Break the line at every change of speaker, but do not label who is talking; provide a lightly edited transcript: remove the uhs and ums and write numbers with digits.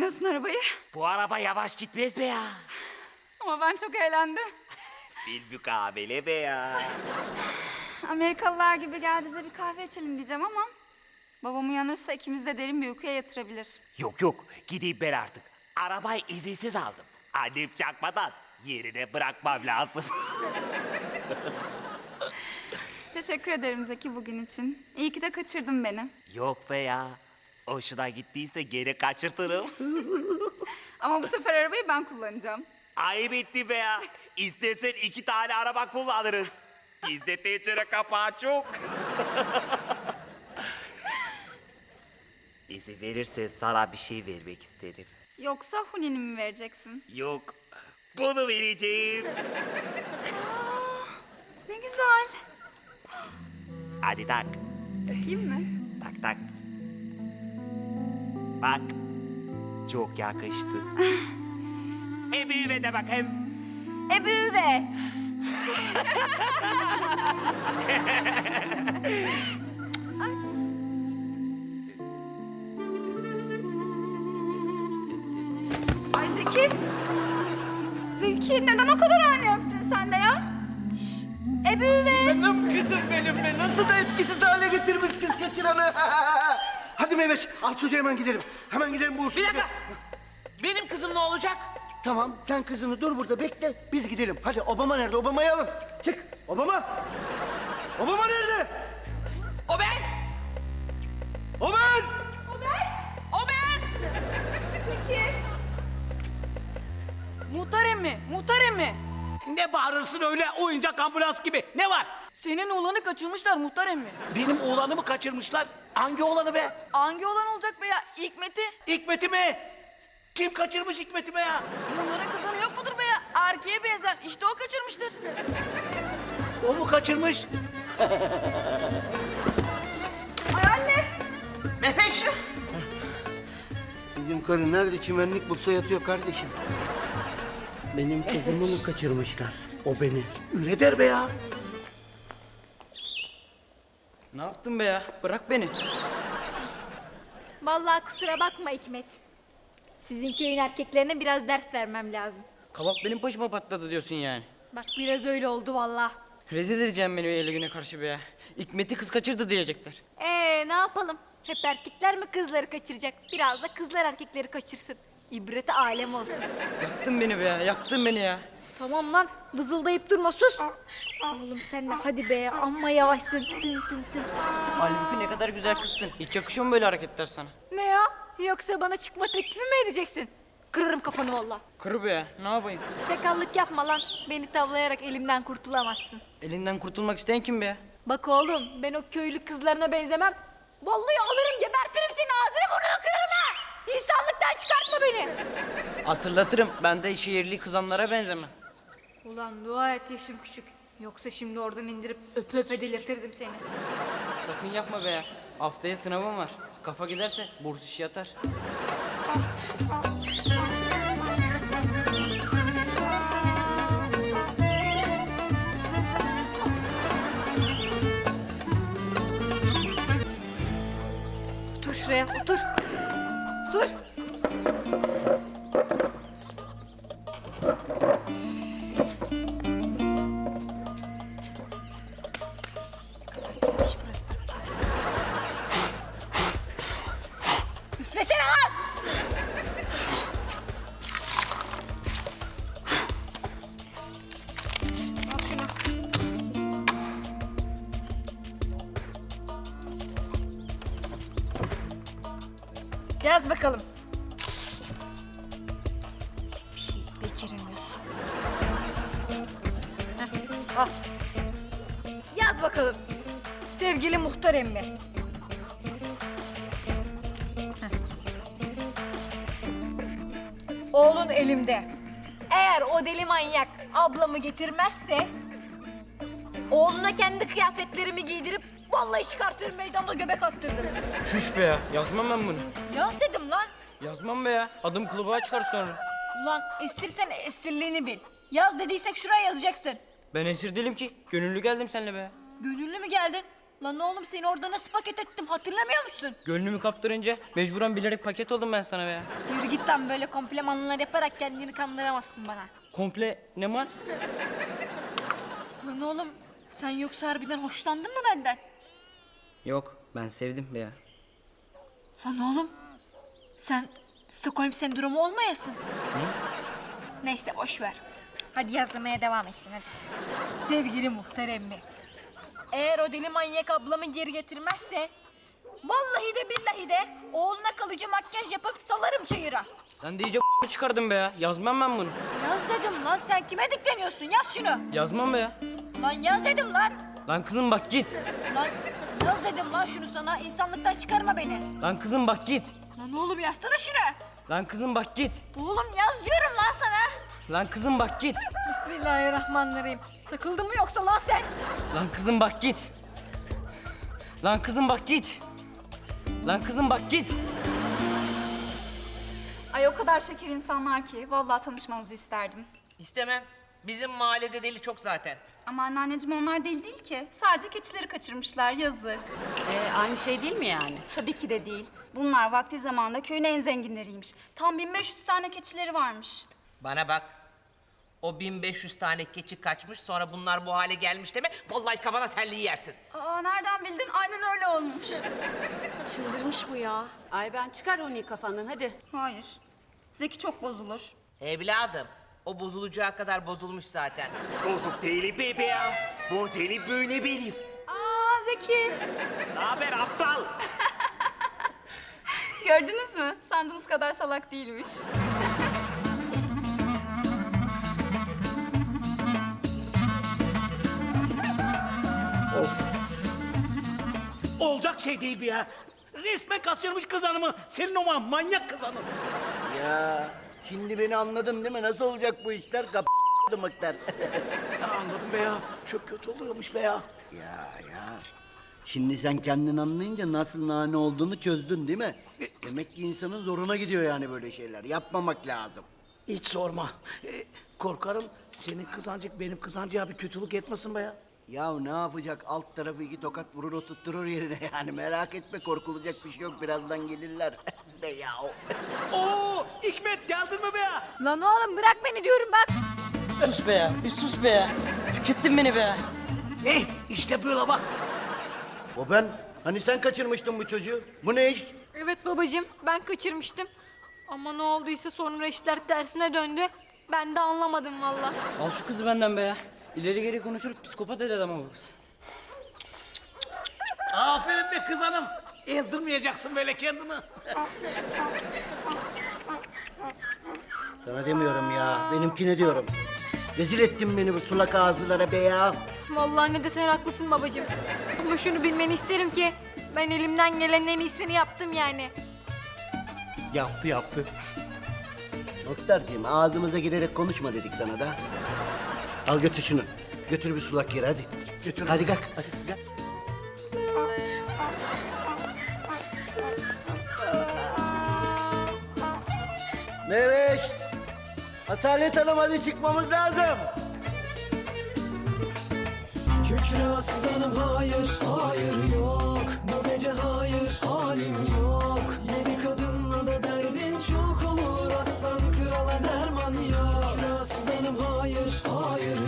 kullanıyorsun arabayı?
Bu araba yavaş gitmez be ya.
Ama ben çok eğlendim.
Bir mukabele be ya.
Amerikalılar gibi gel bize bir kahve içelim diyeceğim ama... babam uyanırsa ikimiz de derin bir uykuya yatırabilir.
Yok yok, gideyim ben artık. Arabayı izinsiz aldım. Annem çakmadan yerine bırakmam lazım.
Teşekkür ederim Zeki bugün için. İyi ki de kaçırdın beni.
Yok be ya. Hoşuna gittiyse geri kaçırtırım.
Ama bu sefer arabayı ben kullanacağım.
Ayıp etti be ya. İstersen 2 tane araba kullanırız. Bizde tencere kapağı çok. İzin verirsen sana bir şey vermek isterim.
Yoksa Huni'ni mi vereceksin?
Yok, bunu vereceğim.
Ne güzel.
Hadi tak.
Takayım mı?
Tak tak. Bak, çok yakıştı. Büyüme de bakayım.
Büyüve. Ay Zeki. Zeki neden o kadar ani öptün sen de ya? Şşş. Büyüve.
Benim kızım benim be. Nasıl da etkisiz hale getirmiş kız kaçıranı. Hadi Meyveş al çocuğu hemen gidelim. Hemen gidelim bu
Bir dakika. Benim kızım ne olacak?
Tamam sen kızını dur burada bekle biz gidelim. Hadi Obama nerede? Obama'yı alın. Çık Obama. Obama nerede?
O ben.
O ben.
O ben.
Muhtar emmi, muhtar emmi.
Ne bağırırsın öyle oyuncak ambulans gibi? Ne var?
Senin oğlanı kaçırmışlar muhtar emmi.
Benim oğlanımı kaçırmışlar. Hangi oğlanı be?
Hangi oğlan olacak be ya? Hikmet'i.
Hikmet'i mi? Kim kaçırmış Hikmet'i be ya?
Bunların kızları yok mudur be ya? Erkeğe benzer. İşte o kaçırmıştır.
O mu kaçırmış?
Ay anne.
Mehmet.
Bizim karı nerede çimenlik bulsa yatıyor kardeşim. Benim kızımı mı kaçırmışlar? O beni.
Öyle der be ya.
Ne yaptın be ya? Bırak beni.
Vallahi kusura bakma Hikmet. Sizin köyün erkeklerine biraz ders vermem lazım.
Kabak benim başıma patladı diyorsun yani.
Bak biraz öyle oldu vallahi.
Rezil edeceğim beni öyle güne karşı be ya. Hikmet'i kız kaçırdı diyecekler.
Ne yapalım? Hep erkekler mi kızları kaçıracak? Biraz da kızlar erkekleri kaçırsın. İbreti alem olsun.
Yaktın beni be ya, yaktın beni ya.
Tamam lan, vızıldayıp durma sus. Oğlum sen de hadi be, amma yavaşsın. Tın tın tın.
Halbuki ne kadar güzel kızsın. Hiç yakışıyor mu böyle hareketler sana?
Ne ya? Yoksa bana çıkma teklifi mi edeceksin? Kırarım kafanı vallahi.
Kır be ya, ne yapayım?
Çakallık yapma lan. Beni tavlayarak elimden kurtulamazsın.
Elinden kurtulmak isteyen kim be ya?
Bak oğlum, ben o köylü kızlarına benzemem. Vallahi alırım, gebertirim seni, ağzını burnunu kırarım ha! İnsanlıktan çıkartma beni!
Hatırlatırım, ben de şehirli kızanlara benzemem.
Ulan dua et yaşım küçük. Yoksa şimdi oradan indirip öpe öpe delirtirdim seni.
Sakın yapma be ya. Haftaya sınavım var. Kafa giderse burs işi yatar.
Otur şuraya, otur. Otur. Üflesene lan! Al şunu. Yaz bakalım. Bir şey beceremiyorsun. Heh, al. Yaz bakalım. Sevgili muhtar emmi. Heh. Oğlun elimde. Eğer o deli manyak ablamı getirmezse... oğluna kendi kıyafetlerimi giydirip... vallahi çıkartırım meydanda göbek attırırım.
Çüş be ya, yazmam ben bunu.
Yaz dedim lan.
Yazmam be ya, adım kılıbığa çıkar sonra.
Ulan esirsen esirliğini bil. Yaz dediysek şuraya yazacaksın.
Ben esir değilim ki, gönüllü geldim seninle be ya.
Gönüllü mü geldin? Lan oğlum seni orada nasıl paket ettim hatırlamıyor musun?
Gönlümü kaptırınca mecburen bilerek paket oldum ben sana be ya.
Yürü git lan, böyle komplimanlar yaparak kendini kandıramazsın bana.
Komple ne var?
Lan oğlum sen yoksa harbiden hoşlandın mı benden?
Yok, ben sevdim be ya.
Lan oğlum sen Stockholm sendromu olmayasın.
Ne?
Neyse boş ver. Hadi yazmaya devam etsin hadi. Sevgili muhtar emmi. Eğer o deli manyak ablamı geri getirmezse... ...vallahi de billahi de oğluna kalıcı makyaj yapıp salarım çayıra.
Sen de iyice çıkardın be ya. Yazmam ben bunu.
Yaz dedim lan, sen kime dikleniyorsun? Yaz şunu.
Yazmam be ya.
Lan yaz dedim lan.
Lan kızım bak git.
Lan yaz dedim lan şunu sana. İnsanlıktan çıkarma beni.
Lan kızım bak git.
Lan oğlum yazsana şunu.
Lan kızım bak git.
Oğlum yaz diyorum lan sana.
Lan kızım bak git.
Bismillahirrahmanirrahim. Takıldın mı yoksa lan sen?
Lan kızım bak git. Lan kızım bak git. Lan kızım bak git.
Ay o kadar şeker insanlar ki vallahi tanışmanızı isterdim.
İstemem. Bizim mahallede deli çok zaten.
Ama anneanneciğim onlar deli değil ki. Sadece keçileri kaçırmışlar, yazık.
Aynı şey değil mi yani?
Tabii ki de değil. Bunlar vakti zamanında köyün en zenginleriymiş. Tam 1500 tane keçileri varmış.
Bana bak. O 1500 tane keçi kaçmış, sonra bunlar bu hale gelmiş deme. Vallahi kafana terliği yersin.
Aa nereden bildin? Aynen öyle olmuş.
Çıldırmış bu ya. Ay ben çıkar onu kafandan hadi.
Hayır. Zeki çok bozulur.
Evladım, o bozulacağı kadar bozulmuş zaten.
Bozuk değilim be ya. Modeli böyle benim.
Aa Zeki.
Ne haber aptal?
Gördünüz mü? Sandığınız kadar salak değilmiş.
Olacak şey değil bu ya. Resmen kaçırmış kız hanımı. Senin o manyak kız hanım.
Ya şimdi beni anladın değil mi? Nasıl olacak bu işler? Mıktar.
Ya anladım be ya. Çok kötü oluyormuş be ya.
Ya. Şimdi sen kendin anlayınca nasıl nane olduğunu çözdün değil mi? Demek ki insanın zoruna gidiyor yani böyle şeyler. Yapmamak lazım.
Hiç sorma. Korkarım senin kızancık benim kızancığa bir kötülük etmesin be ya.
Ya ne yapacak? Alt tarafı 2 tokat vurur oturtturur yerine yani. Merak etme, korkulacak bir şey yok. Birazdan gelirler. Be ya.
Oo, Hikmet geldin mi be ya?
Lan oğlum bırak beni diyorum bak.
Sus be ya. Bir sus be ya. Tükettin beni be ya.
İşte böyle bak.
O ben. Hani sen kaçırmıştın bu çocuğu? Bu ne iş?
Evet babacığım, ben kaçırmıştım. Ama ne olduysa sonra işler tersine döndü. Ben de anlamadım vallahi.
Al şu kızı benden be ya. İleri geri konuşur psikopat eder ama bu kız.
Aferin be kız hanım. Ezdirmeyeceksin böyle kendini.
Sana demiyorum ya. Benimkine diyorum. Rezil ettin beni bu sulak ağızlılara be ya.
Vallahi ne desen haklısın babacığım. Ama şunu bilmeni isterim ki ben elimden gelenin en iyisini yaptım yani.
Yaptı.
Muhtarcığım ağzımıza girerek konuşma dedik sana da. Al götür şunu. Götür bir sulak yere hadi.
Götür.
Hadi kalk. Hadi gel. Meveş. Asalet Hanım hadi çıkmamız lazım.
Kükre aslanım hayır, hayır yok. Bu gece hayır, halim yok. Yeni kadınla da derdin çok olur. Aslan krala derman yok. Kükre aslanım hayır, hayır